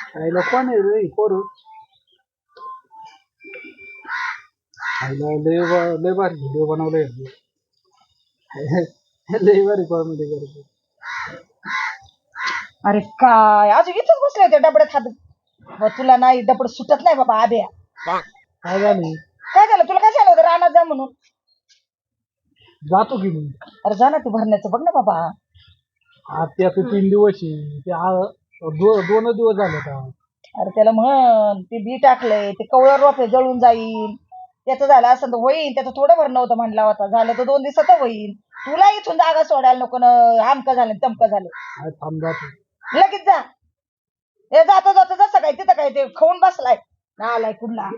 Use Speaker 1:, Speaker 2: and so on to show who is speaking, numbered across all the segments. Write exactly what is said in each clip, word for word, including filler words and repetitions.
Speaker 1: आईला कोण आहे रे पोरू आईला लय ब- लय भारी व्हिडिओ बनवले लय भारी कॉमेडी करतो.
Speaker 2: अरे काय अजून इथंच बसले होते डबड्यात हात व तुला नाही डबड सुटत नाही बाबा आब्या.
Speaker 1: काय झालं
Speaker 2: काय झालं तुला काय झालं होतं रानात जा म्हणून.
Speaker 1: जातो की मी
Speaker 2: अरे जा ना तू भरण्याचं बघ ना बाबा.
Speaker 1: आज ते आता तीन दिवस आहे ते आ- दो- दोनच दिवस झाले आता.
Speaker 2: अरे त्याला म्हण ते बी टाकलंय ते कवळं रोप आहे, जळून जाईल. त्याचं झालं असं तर होईल, त्याचं थोडं भरणं होतं म्हणला होता, झालं तर दोन दिवसात होईल. तुला इथून जागा सोडायला नको ना, आमकं झालं तमकं झालं.
Speaker 1: आज थांब जातो.
Speaker 2: लगेच जा. हे जातो जातो जसं काय तिथं काय ते खाऊन बसलाय ना आलाय कुठला.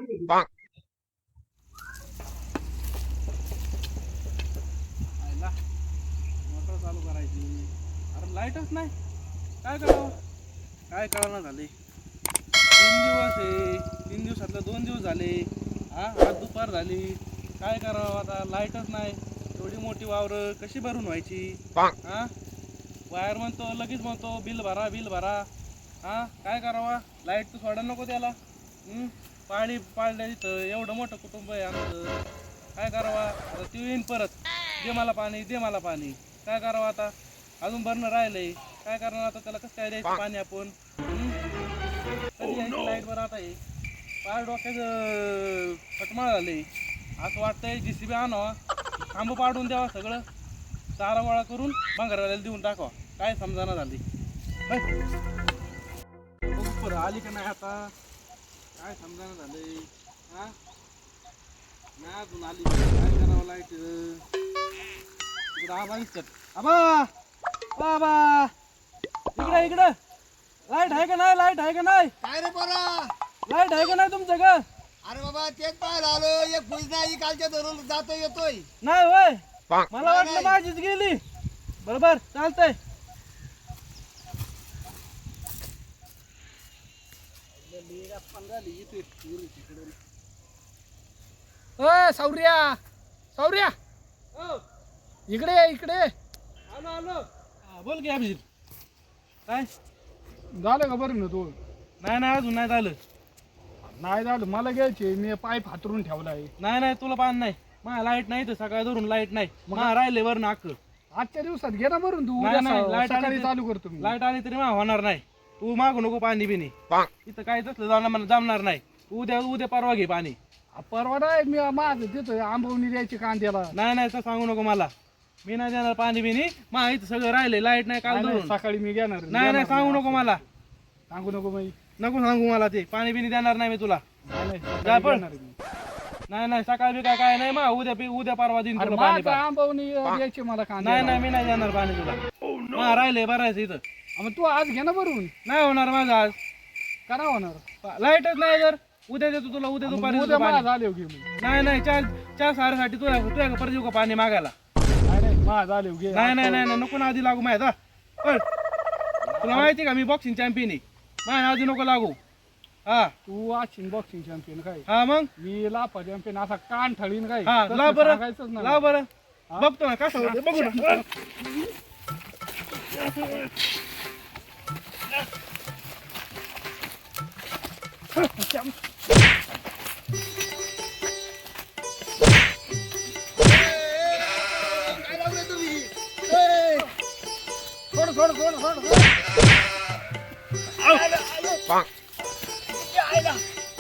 Speaker 3: मोटर चालू करायची. अरे लाईटच नाही, काय करावं काय कळना झाले. तीन दिवस आहे, तीन दिवसातलं दोन दिवस झाले. हा आज दुपार झाली, काय करावं आता. लाईटच नाही, एवढी मोठी वावरं कशी भरून व्हायची. हा वायर म्हणतो लगेच म्हणतो बिल भरा बिल भरा. हा काय करावा, लाईट तर सोडायला नको त्याला. हम्म, पाणी पाळलं इथं, एवढं मोठं कुटुंब आहे आमचं. काय करावा आता, ती येईन परत, दे मला पाणी दे मला पाणी. काय करावं आता, अजून भरणं राहिलंय. काय करणार आता, त्याला कसं काय द्यायचं पाणी आपण. कधी यायची लाईट बरं आता हे पार डोक्याचं फटमाळ झाले. असं वाटतंय जी सी बी आणावा, खांब पाडून द्यावा, सगळं चारा गोळा करून भांगरवाल्याला देऊन टाकावा. काय समजाना झाली. बरं आली का नाही आता, काय समजाना झालंय. हा नाही अजून आली, काय करावं. लाईट इकडं आबा दिसतात. आबा बाबा इकडे इकडे लाईट आहे का नाही, लाईट आहे का नाही,
Speaker 4: काय रे पोरा.
Speaker 3: लाईट आहे का नाही तुमच्या का.
Speaker 4: अरे बाबा तेच पाहायला आलो, एक फुज नाही कालच्या धरून जातो येतोय.
Speaker 3: नाही होय, मला वाटलं माझीच गेली. बरोबर चालतंय.
Speaker 1: अ सौर्या सौर्या
Speaker 3: हो
Speaker 1: इकडे ये, इकडे ये.
Speaker 3: आलो आलो. हा, बोल की अभिजित. काय
Speaker 1: झालं का बरं ना तू.
Speaker 3: नाही नाही अजून नाही झालं.
Speaker 1: नाही झालं मला घ्यायचे, मी पाईप हातरून ठेवला आहे.
Speaker 3: नाही नाही तुला पाणी नाही, मला लाईट नाही तर सकाळी धरून लाईट नाही. मला राहिले वरून अक्क.
Speaker 1: आजच्या दिवसात घे ना भरून तू.
Speaker 3: नाही,
Speaker 1: उद्या
Speaker 3: नाही,
Speaker 1: स-
Speaker 3: लाईट आली
Speaker 1: सकाळी
Speaker 3: तर-
Speaker 1: चालू करतो मी.
Speaker 3: लाईट आली तरी मला होणार नाही. तू मागू नको पाणी बिनी, इथं काय तसलं जाणार जमणार नाही. उद्या उद्या परवा घे पाणी.
Speaker 1: आ, परवा नाही मी माझं देतोय आंबवणी द्यायची कांद्याला.
Speaker 3: नाही नाही तर सांगू नको मला, मी नाही देणार पाणी बिनी. मा इथं सगळं राहिले, लाईट नाही काल
Speaker 1: नाही, नाही,
Speaker 3: धरून.
Speaker 1: सकाळी मी घेणार
Speaker 3: नाही नाही सांगू नको मला,
Speaker 1: सांगू नको मी.
Speaker 3: नको सांगू मला. ते पाणी बिनी देणार नाही मी तुला.
Speaker 1: नाही, नाही, सकाळी
Speaker 3: जा पण.
Speaker 1: घेणार मी.
Speaker 3: नाही नाही सकाळ बी काय काय नाही, मा उद्या पी उद्या परवा दिन
Speaker 1: अरे
Speaker 3: तुला पाणी.
Speaker 1: माझं आंबवणी द्यायची मला कांद्याला.
Speaker 3: नाही नाही मी नाही देणार पाणी तुला. मा राहिले भरायचं इथं.
Speaker 1: आ, मग तू आज घे ना भरून.
Speaker 3: नाही होणार माझं आज,
Speaker 1: करा होणार.
Speaker 3: लाईटच नाही. जर उद्या देतो तुला, उद्या दुपारी
Speaker 1: उद्या
Speaker 3: देतो पाणी.
Speaker 1: माझं आले घे मी.
Speaker 3: नाही नाही चार चार साडेसाठी तुला तुझ्या परत येऊ का पाणी मागायला.
Speaker 1: नाही नाही माझं आले घे.
Speaker 3: नाही नाही नाही नाही, नको ना आधी लागू माहिती पण. तुला माहिती का मी बॉक्सिंग चॅम्पियन आहे, माझ्या आधी नको लागू. हा
Speaker 1: तू वाचिन बॉक्सिंग चॅम्पियन काय,
Speaker 3: हा मग
Speaker 1: मी लाफा चॅम्पियन. असा कान ठळीन काय,
Speaker 3: हा
Speaker 1: तसं
Speaker 3: लाव बरं,
Speaker 1: सांगायचंच नाही.
Speaker 3: लाव बरं. बघतो ना कसं होतं बघू ना.
Speaker 4: काय लावलंय तुम्ही. ए, सोड सोड सोड सोड सोड. आलं, आलं. या, आलं.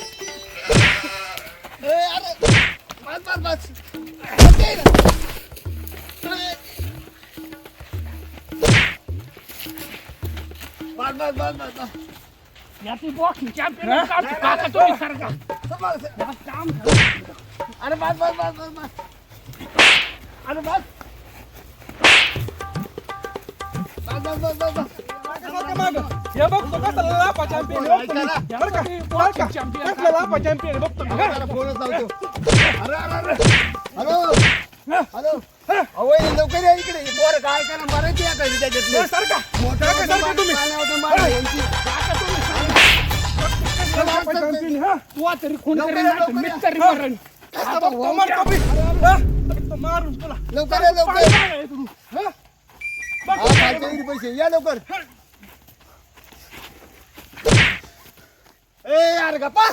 Speaker 4: ए, अरे बस बस बस. ओके ना. ए. बस बस बस बस बस.
Speaker 1: याची बॉक्सिंग चॅम्पियन काका तुम्ही सारखा.
Speaker 4: सांभाळ, सांभाळ.
Speaker 1: या काम झालं.
Speaker 4: अरे बस बस बस बस बस. अरे बस. बस बस बस बस बस.
Speaker 3: हे बघतो कसं लापा चॅम्पियन
Speaker 1: बॉक्सिंग चॅम्पियन
Speaker 3: कसलं लापा चॅम्पियन बघतो मी.
Speaker 4: जरा फोनच लावतो. अरे अरे अरे. Hello hello. अहो हे लवकर या इकडे. हे पोरं काय करा मारायची या काही त्याच्यातले.
Speaker 3: सारखा
Speaker 4: मोठं
Speaker 3: सारखा, सारखा
Speaker 4: मोठं
Speaker 3: तुम्ही.
Speaker 4: पाण्यावर मारा यांची.
Speaker 3: लापा चॅम्पियन हा.
Speaker 1: तू तरी खून
Speaker 4: लवकर
Speaker 1: करीन
Speaker 4: या,
Speaker 1: नाही तर
Speaker 4: लवकर
Speaker 1: मी
Speaker 4: या.
Speaker 1: तरी मरण.
Speaker 3: आता बघतो मारतो मी. हा, बघतो मारून तुला.
Speaker 4: लवकर या लवकर.
Speaker 3: काय आहे तू? हा?
Speaker 4: हा खालच्या इकडे पैसे या लवकर. ए यार गप्पा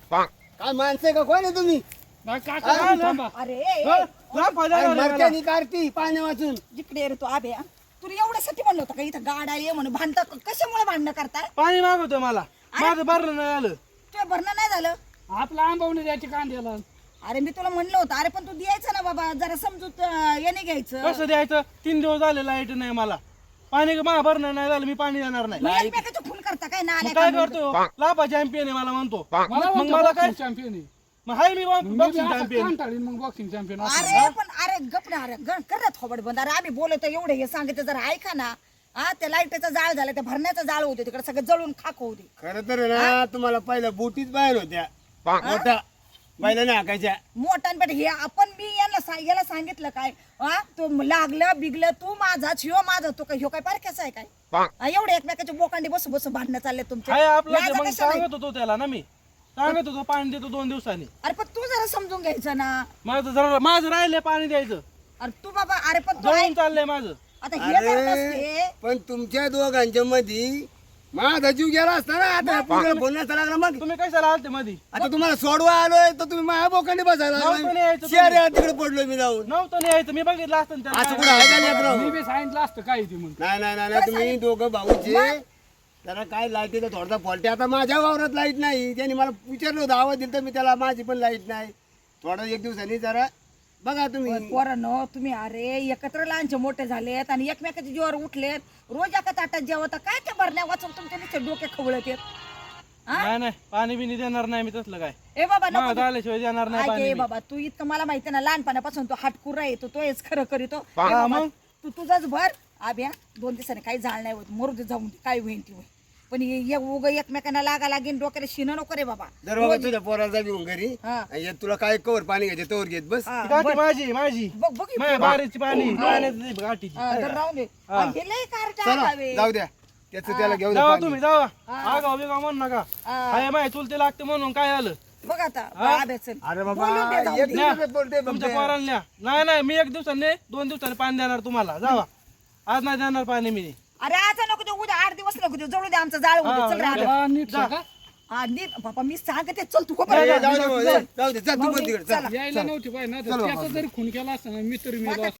Speaker 4: काय माणसं आहे का कोण आहे तुम्ही
Speaker 1: नाही, काका तुम्ही थांबा.
Speaker 2: अरे ए,
Speaker 3: हा? लाभ फायदा
Speaker 4: अरे
Speaker 3: झाला मला.
Speaker 4: मरत्यानी काढती पाण्या वाचून
Speaker 2: जिकडे रे तू आभ्या तुला एवढ्यासाठी म्हणलं होतं का इथं गाडा ये म्हणून भांडता कशामुळे भांडणं करताय
Speaker 3: पाणी मागवतोय मला माझं भरलं नाही आलं.
Speaker 2: तुझं भरणं नाही झालं
Speaker 1: आपला आंबवणे द्यायची कांद्याला.
Speaker 2: अरे मी तुला म्हणलं होतं अरे पण तू द्यायचं ना बाबा जरा समजूत अं, याने घ्यायचं
Speaker 3: कसं द्यायचं? तीन दिवस झाले लाईट नाही मला. पाणी मला भरणं नाही झालं, मी पाणी देणार नाही.
Speaker 2: मग एकमेकाचं खून करता काय ना
Speaker 3: मग काय करतो? लाभा चॅम्पियन आहे मला म्हणतो.
Speaker 1: मला
Speaker 3: मग मला काय?
Speaker 1: चॅम्पियन आहे.
Speaker 3: मग हाय मी
Speaker 1: मी बी
Speaker 3: बॉक्सिंग
Speaker 1: असं
Speaker 3: चॅम्पियन.
Speaker 1: कांटाळीन मग बॉक्सिंग चॅम्पियन.
Speaker 2: अरे पण अरे गप ना अरे गण कर ना थोबड बंद अरे आम्ही बोलतो एवढे हे सांगितलं जरा ऐका ना हा त्या लाईटीचा जाळ झाला त्या भरण्याचा जाळ होते तिकडे सगळं जळून खाक होऊ दे
Speaker 4: खरं तर ना तुम्हाला पहिल्या बोटीच बाहेर होत्या मोठा पहिल्या नाही हाकायच्या
Speaker 2: मोठ्यांपेठ हे आपण मी यांना सा- याला सांगितलं काय हा तो लागलं बिगलं तू माझाच ह्यो माझा तो काय ह्यो काय पारख्याचा आहे काय हा, एवढे एकमेकाच्या बोकांडी बसू बसू भांडणं चालले तुमचे
Speaker 3: हाय आपलं ते
Speaker 2: लाजा
Speaker 3: मग
Speaker 2: कशाला आहे?
Speaker 3: सांगत होतो त्याला ना मी सांगत होतो पाणी देतो दोन दिवसांनी.
Speaker 2: अरे पण तू जरा समजून घ्यायचं ना
Speaker 3: माझं जरा माझं राहिले पाणी द्यायचं.
Speaker 2: अरे तू बाबा अरे पण तू
Speaker 3: जळून
Speaker 2: ऐक,
Speaker 3: चाललंय माझं.
Speaker 2: आता हे जर
Speaker 4: अरे
Speaker 2: नसते
Speaker 4: पण तुमच्या दोघांच्या मध्ये माझा जीव गेला असता ना आता पुढे बोलण्याचा लागला मग
Speaker 3: तुम्ही कशाला आलते मधी?
Speaker 4: आता तुम्हाला सोडवा आलोय तर तुम्ही माझ्या बोकांडी बसायला
Speaker 3: नव्हतं नाही
Speaker 4: लागलाय.
Speaker 3: यायचं
Speaker 4: शहर आहे, तिकडे पडलोय मी जाऊन
Speaker 3: नव्हतं नाही यायचं, मी बघितलं असतं ना
Speaker 4: असं
Speaker 3: त्याला.
Speaker 4: कुठं आहे का लेकरं?
Speaker 1: मी बी सांगितलं असतं काय ती म्हणून.
Speaker 4: नाही नाही नाही नाही, तुम्ही दोघं भाऊचे त्याला काय लाईटीचा थोडासा फॉल्ट आहे. आता माझ्या वावरात लाईट नाही त्याने मला विचारलं होतं आवाज दिला तर मी त्याला माझी पण लाईट नाही थोडा एक दिवसांनी जरा बघा तुम्ही
Speaker 2: पोरांनो तुम्ही अरे एकत्र लहानचे मोठे झालेत आणि एकमेकाच्या जीवावर उठलेत रोज एका ताटात जेवता काय त्या भरण्या वाचून तुमच्या नुसते डोके खवळत येत
Speaker 3: नाही नाही पाणी बिनी देणार नाही मी तसलं काय.
Speaker 2: ए बाबा नको
Speaker 3: माझं आल्याशिवाय देणार नाही
Speaker 2: ऐक
Speaker 3: पाणी
Speaker 2: ए
Speaker 3: मी.
Speaker 2: बाबा तू इतकं मला माहिती ना लहानपणापासून तो हाटकुरा येतो तो हेच खरं करीतो ए
Speaker 3: हा,
Speaker 2: बाबा,
Speaker 3: मग?
Speaker 2: तू तुझाच भर आभ्या दोन दिवसाने काही जाळ नाही होत मरू दे जाऊन दे, काय होईल ती होईल पण हे उग एकमेकांना लागा लागेल डोक्याला शिन नको रे बाबा
Speaker 4: जर बाबा तुझ्या पोराला घेऊन घरी
Speaker 2: हा.
Speaker 4: आणि हे तुला काय कवर पाणी घ्यायचे तवर घेत बस
Speaker 2: हा,
Speaker 3: ती गाठी माझी माझी
Speaker 2: बघ बघ
Speaker 3: माझ्या बारीची पाणी पाण्याची गाठीची.
Speaker 2: हा, तर राहून दे आणि हे लय कारट
Speaker 4: चला
Speaker 2: आगावे.
Speaker 4: जाऊ द्या त्याचं त्याला घेऊन
Speaker 3: जावा
Speaker 4: पाणी.
Speaker 3: तुम्ही जावा. आगाव बिगाव म्हणू नका.
Speaker 2: हा.
Speaker 3: हाय माय चुलते लागते म्हणून काय आलं?
Speaker 2: बघ आता आभ्या चल
Speaker 4: अरे बाबा
Speaker 2: बोलून दे जाऊ
Speaker 4: एक
Speaker 2: दे.
Speaker 4: दिवसात बोलते
Speaker 3: तुमच्या
Speaker 4: बघते.
Speaker 3: पोराला न्या. नाही नाही मी एक दिवसाने दोन दिवसाने पाणी देणार तुम्हाला. जावा आज नाही देणार पाणी मी.
Speaker 2: अरे आज नको देऊ उद्या आठ दिवस नको देऊ जळू दे आमचं जाळ होऊ दे. चल रे आभ्या.
Speaker 1: हा, नीट सांगा.
Speaker 2: हा, नीट बाबा मी सांगते चल तू
Speaker 4: ए,
Speaker 2: खबर
Speaker 4: जाऊ दे बाबा, जाऊ दे चल तू पण तिकडे चल
Speaker 1: यायला नव्हती पाहिजे ना तर त्याचा जरी खून केला असता ना मी तरी मी